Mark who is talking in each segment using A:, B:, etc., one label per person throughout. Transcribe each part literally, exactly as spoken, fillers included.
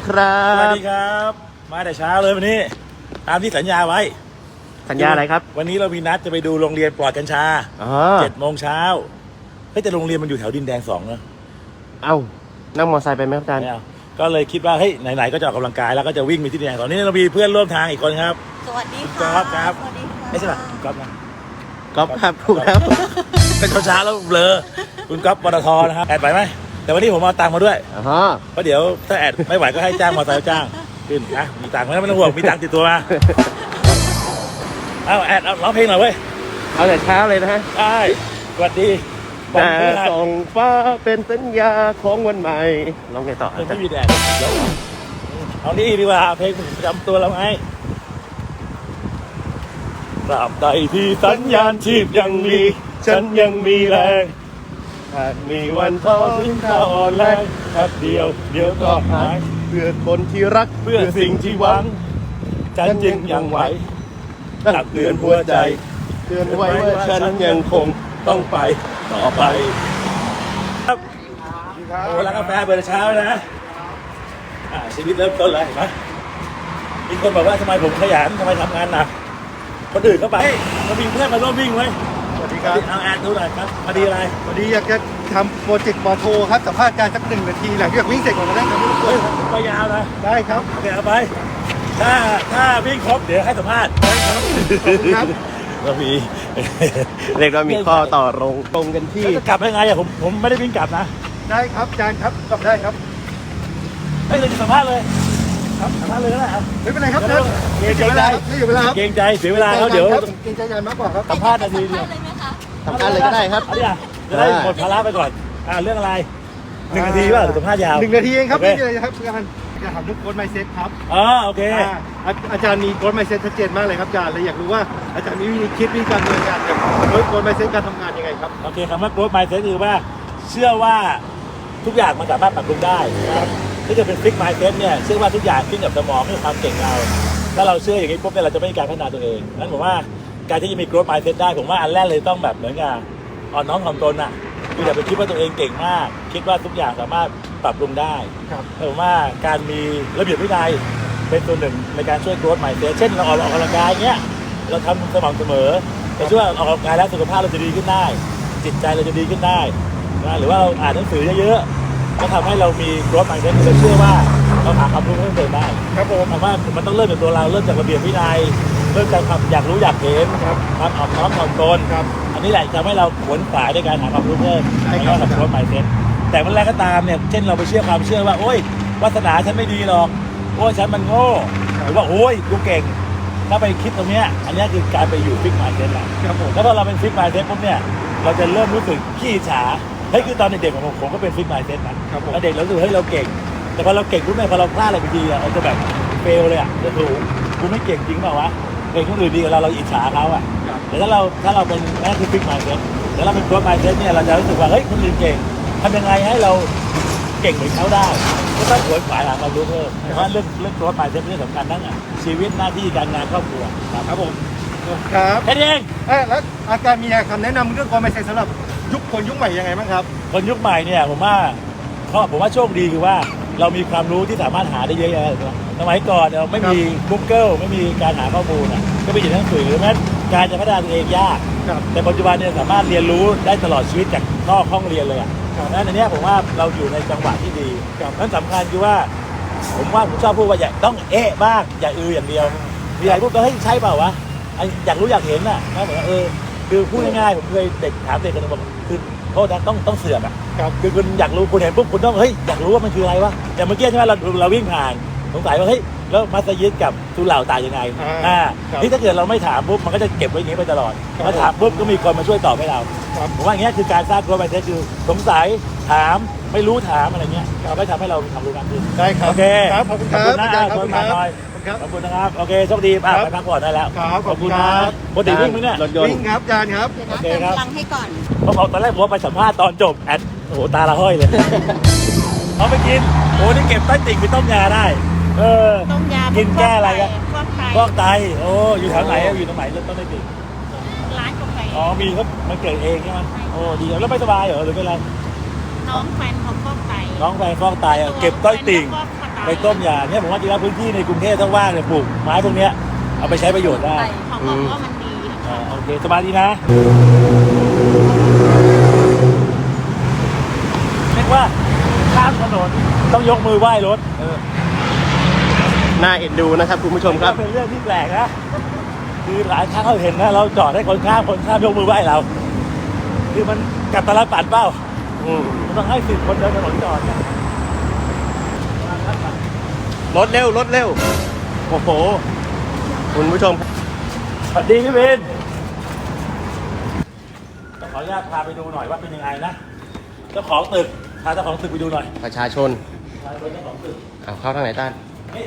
A: ครับ
B: สวัสดีครับมาแต่เช้าเลยวันนี้ตามที่สัญญาไว้
A: สัญญาอะไรครับ
B: วันนี้เรามีนัดจะไปดูโรงเรียนปลอดกัญชา
A: อ๋อ
B: เจ็ดโมงเช้าเฮ้ยแต่โรงเรียนมันอยู่แถวดินแดงสองเนอะ
A: เอ้านั่งมอเตอร์ไซค์ไปไหมครับอาจารย์
B: ไม่เอาก็เลยคิดว่าเฮ้ยไหนๆก็จะออกกำลังกายแล้วก็จะวิ่งไปที่ดินแดงสองนี่เรามีเพื่อนร่วมทางอีกคนครับ
C: สวัสดี
B: คุณ
C: ค่ะ
B: ก๊อฟครับ
C: สวัสดีค่ะ
B: ไม่ใช่ป่ะคุณก๊อฟนะ
A: ก๊อฟครับถูกครับ
B: เป็นเช้าๆแล้วเบลอคุณก๊อฟปตทนะครับแอดไปไหมแต่วันนี้ผมเอาตังค์มาด้วย
A: อ๋อ
B: เพราะเดี๋ยวถ้าแอดไม่ไหวก็ให้จ้างมอเตอร์ไซค์จ้างขึ้นนะมีตังค์ไหมไม่ต้องห่วงมีตังค์ติดตัวมาเอาแอดเอาร้องเพลงหน่อยเว้ย
A: เอาแต่เช้าเลยนะฮะ
B: ได้สวัสดีบอก
A: แต่
B: เพื่อน
A: ส่องฟ้าเป็นสัญญาของวันใหม่ร้องไงต่อ
B: เพื่อน
A: อาจาร
B: ไม่
A: ย์
B: มีแดดเดี๋ยวเอานี่ดีกว่าเพลงประจำตัวเราไงตราบใดที่สัญญาณชีพยังมีฉันยังมีแรงหากมีวันท้อทิ้งข้าอ่อนแรงแป๊บเดียวเดี๋ยวก็หาย
A: เพื่อคนที่รัก
B: เพื่อสิ่งที่หวังฉันจึงยังไหวตักเตือนหัวใจ
A: เตือนไว้ว่าฉันยังคง
B: ต้องไปต่อไปครับโอ้ร้านกาแฟเปิดเช้านะอ่าชีวิตเริ่มต้นเลยเห็นไหมมีคนบอกว่าทำไมผมขยันทำไมทำงานหนักคนอื่นเข้าไปเรามีเพื่อนมาร่วมวิ่งไหม
D: สวัสดีครับ
B: เอาแอดดูหน่อยครับมาดีอะไร
D: วันนี้อยากจะทำโปรเจกต์ปอโทครับสัมภาษณ์การสักหนึ่งนาทีหลังจากวิ่งเสร็จก่อนก็ได้ครับทุกค
B: เฮ้ย
D: น
B: ไปยาวนะ
D: ได้ครับ
B: โอเคเอาไปถ้าถ้าวิ่งครบเดี๋ยวให้สัมภาษณ์
D: ขอบคุณครับ
B: เรามี
A: เรียกว่ามีข้อต่อรองตรงกันที่
B: แล้วจะกลับยังไงอะผมผมไม่ได้วิ่งกลับนะ
D: ได้ครับอาจารย์ครับกลับได้ครับ
B: ไม่เลยจะสัมภาษณ์เลยครับสัมภาษณ์เลยก็ได้ครับ
D: ไม่เป็นไรครับ
B: เดี๋
D: นะ
B: ยว
D: ไม่เสียเวลาครับไม่เสียเวลาครับ
B: เกรงใจเสียเวลาเขาเดี๋ยว
D: ครับเกรงใจอาจารย์มากกว่าครับ
B: สัมภาษณ์นาทีเดียว
C: เลยไหมคะ
A: สำคัญเลยก็ได้ครับ
B: เอาดิอ่ะจะได้หมดภาระไปก่อนอ่าเรื่องอะไรหนึ่งนาทีป่ะหรือสัมภาษณ์ยาว
D: หนึ่งนาทีเองครับ
B: โอ
D: ไม่
B: เค
D: มีอะไรครับอาจารย์อยากถามเรื่องโค้ดไมเซ็ตครับ
B: อ๋อโอเค
D: อ่าอาอาจารย์มีโค้ดไมเซ็ตชัดเจนมากเลยครับอาจารย์เลยอยากรู้ว่าอาจารย์มีวิธีคิดวิธีการดำเนินการกับโค้ดไมเซ็ตการทำงานยังไงครับ
B: โอเคคำว่า growth mindset คือว่าเชื่อว่าทุกอย่างมันสามารถปรับปรุงได้นะครับถ้าเกิดเป็น fixed mindset เนี่ยเชื่อว่าทุกอย่างขึ้นกับสมองขึ้นกับความเก่งเราถ้าเราเชื่ออย่างนี้ปุ๊บเนี่ยเราจะไม่มีการพัฒนาตัวเองนั้นผมว่าการที่จะมี growth mindset ได้ผมว่าอันแรกเลยต้องแบบเหมือนกับอ่อนน้อมถ่อมตนอ่ะคืออย่าไปคิดว่าตัวเองเก่งมาก คิดว่าทุกอย่างสามารถปรับปรุงได้
D: ครับ
B: ผมว่าการมีระเบียบวินัยเป็นตัวหนึ่งในการช่วย growth mindset เช่นเราออกออกกำลังกายเงี้ยเราทำสม่ำเสมอจะช่วยออกกำลังกายแล้วสุขภาพเราจะดีขึ้นได้ จิตใจเราจะดีขึ้นได้นะหรือว่าเราอ่านหนังสือเยอะๆก็ทำให้เรามี growth mindset เราเชื่อว่าเราหาความรู้เพิ่มเติมได้
D: ครับผม
B: แต่ว่ามันต้องเริ่มจากตัวเราเริ่มจากระเบียบวินัยเริ่มจากความอยากรู้อยากเห็น
D: ครับ
B: ความอ่อนน้อมถ่อมตน
D: ครับ
B: อันนี้แหละทำให้เราขวนขวายในการหาความรู้เพิ่ม
D: ใช่
B: ใน
D: ครับ
B: การทำ growth mindset แต่เมื่อไรก็ตามเนี่ยเช่นเราไปเชื่อความเชื่อว่าโอ๊ยวาสนาฉันไม่ดีหรอกโอ้ยฉันมันโง่หรือว่าโอ้ยกูเก่งถ้าไปคิดตรงเนี้ยอันเนี้ยคือการไปอยู่ fixed mindset ละ
D: ครับผม
B: แล้วพอเราเป็น fixed mindset ปุ๊บเนี่ยเราจะเริ่มรู้สึกขี้อิจฉาเฮ้ยคือตอนเด็กๆของผมผมก็เป็น fixed mindset นะครับ
D: ผม
B: ตอนเด็กเรารู้สึกเฮ้ยเราเก่ง แต่พอเราเก่งปุ๊บเนี่ยพอเราพลาดอะไรไปทีอะเราจะแบบเฟลเลยอะจะถูกกูไม่เก่งจริงเปล่าวะเก่งคนอื่นดีกว่าเราเราอิจฉาเขาอะ
D: ครับ
B: แต่ถ้าเราถ้าเราเป็นนั่นคือ fixed mindset แล้วเราเป็น growth mindset เนี่ยเราจะรู้สึกว่าเฮ้ยคนอื่นเก่งทำยังไงให้เราเก่งเหมือนเขาได้ก็ต้องขวนขวายหาความรู้เพิ่มเพราะว่าเรื่องเรื่อง growth mindset เป็นเรื่องสำคัญทั้งอะชีวิตหน้าที่การงานครอบครัวครับ
D: ครับผมครับ
B: แค่นี้เอง
D: เอ้ยแล้วอาจารย์มีคำแนะนำเรื่องโค้ดไมเซ็ตสำหรับยุคคนยุคใหม่ยังไงบ้างครับ
B: คนยุคใหม่เนี่ยผมว่าเขาผมว่าโชคดีคือว่าเรามีความรู้ที่สามารถหาได้เยอะแยะเลยสมัยก่อนเราไม่มี Google ไม่มีการหาข้อมูลอ่ะก็ไปอ่านหนังสือแม้การจะพัฒนาตัวเองยาก
D: ครับ
B: แต่ปัจจุบันเนี่ยสามารถเรียนรู้ได้ตลอดชีวิตจากนอกห้องเรียนเลยอ่ะ
D: ครับ
B: นั้นอันเนี้ยผมว่าเราอยู่ในจังหวะที่ดี
D: ครับ
B: นั้นสำคัญคือว่า ผมว่าผมชอบพูดว่าอย่าต้องเอ๊ะบ้างอย่าอืออย่างเดียวมีอะไรพูดก็เฮ้ยใช่เปล่าวะไอ้อยากรู้อยากเห็นน่ะนะเหมือนว่าเออคือพูดง่ายๆผมเคยเด็กถามเด็กคนหนึงบอกคือโทษนะต้องต้องเสือกอ่ะ
D: ครับ
B: คือคุณอยากรู้คุณเห็นปุ๊บคุณต้องเฮ้ยอยากรู้ว่ามันคืออะไรวะอย่างเมื่อกี้ใช่ไหมเราเราวิ่งผ่านสงสัยว่าเฮ้ยแล้วมัสยิดกับสุเหร่าต่างยังไง
D: อ่า
B: อ่า
D: ครับ
B: นี่ถ้าเกิดเราไม่ถามปุ๊บมันก็จะเก็บไว้อย่างนี้ไปตลอด
D: ครับ
B: มาถามปุ๊บก็มีคนมาช่วยตอบให้เรา
D: ครับ
B: ผมว่าอย่างเงี้ยคือการสร้างตัวไปเทสคือสงสัยถามไม่รู้ถามอะไรเงี้ยก็ทำให้เรามีความรู้มากขึ้น
D: ได้ครับ
B: โอเค
D: ครับขอบคุณครับ
B: นะ
D: อาจารย์ครับ
B: คนมาหน่อย
D: ครับ
B: ขอบคุณนะครับโอเคโชคดีป่ะ
D: ครับ
B: ไปพักผ่อนได้แล้ว
D: ครับขอบคุณ
B: นะครับ ปกติวิ่งไหมเนี่ย
A: รถยนต์
D: วิ่งครับอาจารย์ครับ
C: เดี๋ยว
B: โอ
C: นะ
B: เค
C: เติม
B: ครับ
C: พลังให้ก่อน
B: เพราะตอนแรกผมว่าไปสัมภาษณ์ตอนจบแอดโอ้โหตาละห้อยเลย เอาไปกินโอ้นี่เก็บใต้ติ่งไปต้มยาได้ เออ
C: ต้มยา
B: กินแก้อะไร
C: กั
B: กัน
C: ฟอกไต
B: ฟอกไตโอ้อยู่แถวไหนอะอยู่ตรงไหนเริ่มต้นใต้ติ่ง
C: ร้านกาแฟ
B: อ๋อมีเขามันเกิดเองใช่ไหมโอ้ดีแล้วไม่สบายเหรอหรือเป็นไร
C: น้องแฟนเขาฟอกไต
B: น้องแฟนฟอกไตอะเก็บต้อยติ่งไปต้มยาเนี่ยผมว่าจริงๆพื้นที่ในกรุงเทพถ้าว่างเนี่ยปลูกไม้พวกเนี้ยเอาไปใช้ประโยชน์ได้
C: เขาบอกว่ามันดี
B: อ่าโอเคสบายดีนะเรียกว่าข้ามถนนต้องยกมือไหว้รถเออ
A: น่าเอ็นดูนะครับคุณผู้ชมครับ
B: เป็นเรื่องที่แปลกนะคือหลายครั้งเราเห็นนะเราจอดให้คนข้ามคนข้ามยกมือไหว้เราคือมันกลับตลปัดเปล่า
A: อืม
B: มันต้องให้สิทธิ์คนเดินถนนจอดเนี่ย
A: รถเร็วรถเร็วโอ้โหคุณผู้ชม
B: สวัสดีพี่เบนขออนุญาตพาไปดูหน่อยว่าเป็นยังไงนะเจ้าของตึกพาเจ้าของตึกไปดูหน่อย
A: ประชาชน
B: พาไปดูเจ้าของตึก
A: เอาเข้าทางไหนต้าน
B: นี่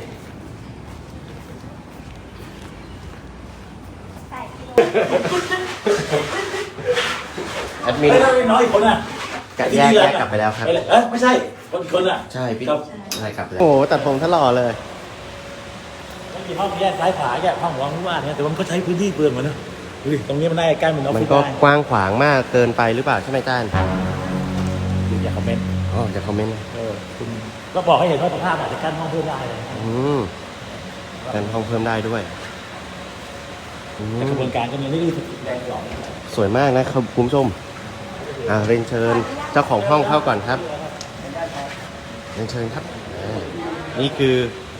A: แอดมิน
B: ไม่ได้น้อยคนอ่ะ
A: กะแยกแยกกลับไปแล้วครับ
B: เอ้ยไม่ใช่คนคนอ่ะ
A: ใช่พี่
B: ครับ
A: อะไรกลับไปแล้วโอ้โหตัดผมทะลอเลย
B: ไม่มีห้องแยกซ้ายขวาแยกห้องหัวห้องว่างเนี่ยแต่ว่ามันก็ใช้พื้นที่เปลืองเหมือนนะดูดิตรงนี้มันน่าจะกั้นเป็นออฟ
A: มัน
B: ฟิศ
A: ก็
B: ได้
A: กว้างขวางมากเกินไปหรือเปล่าใช่ไหมต้าน
B: ดูอย่าคอมเมนต์
A: อ๋อจะคอมเมนต์นะ
B: เออคุณก็บอกให้เห็นว่าสภาพอาจจะกั้นห้องเพิ่มได้เลย
A: อืมกันห้องเพิ่มได้ด้วยอื
B: แต่ก
A: ม
B: ระบวนการก็ยังไม่ได้แรงหรอก
A: สวยมากนะครับคุณผู้ชมอ่าเรียนเชิญเจ้าของห้องเข้าก่อนครับเรียนเชิญครับอ่านี่คือ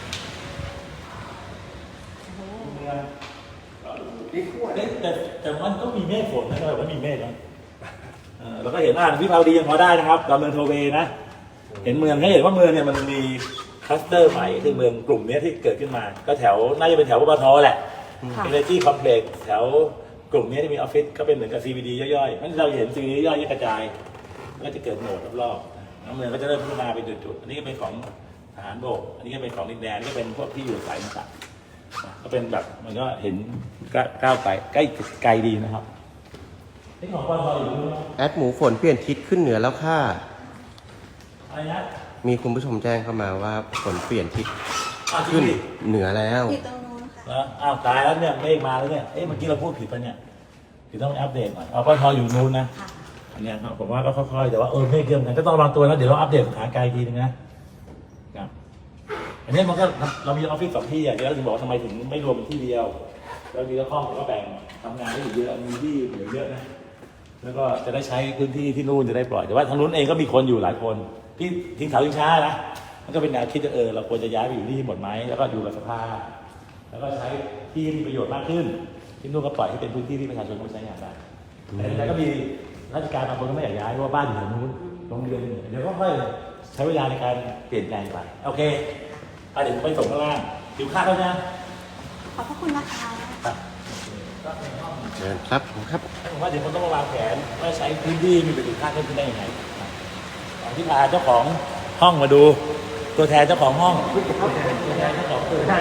B: แต่แต่มันก็มีเมฆฝนนะแต่ว่ามีเมฆนะเออแล้วก็เห็นอ่านวิภาวดียังพอได้นะครับดอนเมืองโทเวนะ เห็นเมืองให้เห็นว่าเมืองเนี่ยมันมีคลัสเตอร์ใหม่คือเมืองกลุ่มนี้ที่เกิดขึ้นมา ก็แถวน่าจะเป็นแถวปตทแหละ
C: ค่ะ
B: Energy Complex แถวกลุ่มนี้ที่มีออฟฟิศก็เป็นเหมือนกับ ซี บี ดี ย่อยๆนั่นเราเห็น ซี บี ดี ย่อยๆกระจายก็จะเกิดโหมดรอบๆน้ำเมืองก็จะเริ่มพัฒนาเป็นจุดๆอันนี้ก็เป็นของทหารบกอันนี้ก็เป็นของดินแดนนี่ก็เป็นพวกที่อยู่สายต่างๆก็เป็นแบบมันก็เห็นก้าวไปใกล้ไกลดีนะครับนี่ของปตทอยู่ตรงนู้น
A: แอดหมูฝนเปลี่ยนทิศขึ้นเหนือแล้วค่ะ
B: อะไรนะ
A: มีคุณผู้ชมแจ้งเข้ามาว่าฝนเปลี่ยนทิศ
B: อ้าวจริ
A: ขึ้
B: ง
A: น
B: ดิ
A: เหนือแล้ว
C: อยู่ตรงนู้นค่ะ
B: แล้วอ้าวตายแล้วเนี่ยเมฆมาแล้วเนี่ย เอ๊ะเมื่อกี้เราพูดผิดปะเนี่ยคือต้องอัปเดตหน่อยเอาปทอยู่นู้นนะ
C: ค่ะ
B: อันเนี้ยครับผมว่าก็ค่อยๆแต่ว่าเออเมฆเยอะเหมือนกันก็ต้องระวังตัวนะเดี๋ยวเราอัปเดตสถานการณ์อีกทีนึงนะครับอันนี้มันก็เรามีออฟฟิศสองที่อ่ะเดี๋ยวเราถึงบอกว่าทำไมถึงไม่รวมเป็นที่เดียวเรามีละห้องผมก็แบ่งทำงานได้อยู่เยอะมีที่เหลือเยอะนะแล้วก็จะได้ใช้พื้นที่ที่นู่นจะได้ปล่อยแต่ว่าทางนู้นเองก็มีคนอยู่หลายคนที่ทิ้งเสาทิ้งช้านะมันก็เป็นแนวคิดว่าเออเราควรจะย้ายไปอยู่ที่หมดไหมแล้วก็อยู่กับสภาแล้วก็ใช้ที่ให้มีประโยชน์มากขึ้นที่นู่นก็ปล่อยให้เป็นพื้นที่ที่ประชาชนเขาใช้งานได้แต่แต่ก็มีราชการบางคนก็ไม่อยากย้ายเพราะว่าบ้านอยู่แถวนู้นโรงเรียนเดี๋ยวก็ค่อยใช้เวลาในการเปลี่ยนแปลงไปโอเคอ่ะเดี๋ยวผมไปส่งข้างล่างหิวข้าวแล้วนะ
C: ขอบพระคุณนะคะ
B: ครับ
A: เชิญครับผมครับ
B: ผมว่าเดี๋ยวคนต้องมาวางแผนว่าใช้พื้นที่มีประสิทธิภาพเพิ่มขึ้นได้ยังไงตอนที่พาเจ้าของห้องมาดู ตัวแทนเจ้าของห้องตัวแทนเจ้าของตึก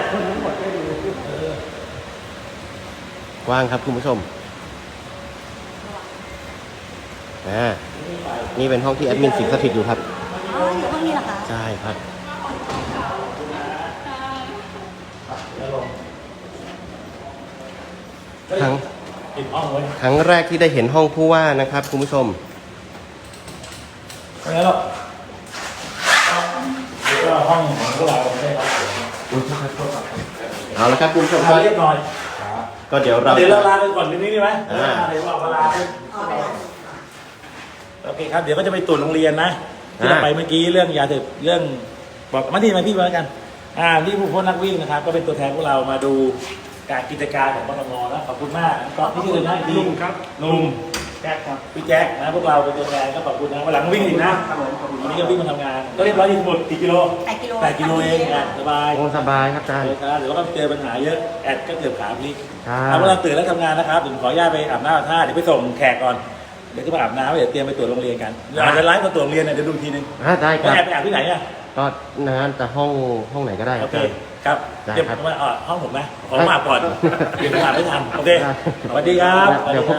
A: กว้างครับคุณผู้ชมอ่านี่เป็นห้องที่แอดมินสิงสถิตอยู่ครับ
C: อ๋ออยู่ห้องนี้เหรอคะ
A: ใช่ครับ ครั้ง
B: ปิดห้องไว้
A: ครั้งแรกที่ได้เห็นห้องผู้ว่านะครับคุณผู้ชม
B: ไม่งั้นหรอกแล้วก็ห้องของพวกเราได้ครับ
A: เอาละครับคุณผู้ชมค
B: เอา
A: รับ
B: เรียบร้อย
A: ก็เดี๋ยวเรา
B: เดี๋ยวเราลาไปก่อนนิดนึงได้ไหม
A: อ่า
B: เดี๋ยวเราลาไป
C: อ๋อไปละ
B: โอเคครับ เดี๋ยวก็จะไปตรวจโรงเรียนนะที่เราไปเมื่อกี้เรื่องยาเสพเรื่องบอกมาที่มาพี่มาแล้วกัน อ่าที่ผู้พ้นนักวิ่งนะครับ ก็เป็นตัวแทนพวกเรามาดูการกิจการของปตทนะขอบคุณมากก็ที่ชื่ออะไรนะลุงครับลุงแจ็คครับพี่แจ็คนะพวกเราเป็นตัวแทนก็ขอบคุณนะวันหลังวิ่งอีกนะวันนี้ก็วิ่งมาทำงานก็เรียบร้อยที่หมดกี่กิโล
C: แปดกิโล
B: แปดกิโลเองอ่ะสบาย
A: โอ้สบายครับอาจารย์
B: เลยครับเดี๋ยวก็เจอปัญหาเยอะแอดก็เกือบขาพลิก
A: ครับ
B: เอาเวลาตื่นแล้วทำงานนะครับผมขออนุญาตไปอาบน้ำอาบท่าเดี๋ยวไปส่งแขกก่อนเดี๋ยวจะมาอาบน้ำเดี๋ยวเตรียมไปตรวจโรงเรียนกันอาจจะไลฟ์มาตรวจโรงเรียนเนี่ยเดี๋ยวดูอีกทีนึง
A: อ่าได้ค
B: แล้ว
A: รับ
B: แอบไปอาบที่ไหนอ่ะ
A: ก็นั้นจะห้องห้องไหนก็ได้ค
B: โอ
A: รับ
B: เค
A: อาจารย์
B: ครับ
A: ได้
B: เดี๋ยว
A: ครับ
B: ผมมาอ่าห้องผมนะขอมาอาบก่อนเดี๋ยวผมอาบไม่ทันโอเค
A: ได้
B: สวัสดีครับ
A: เดี๋ยวพบ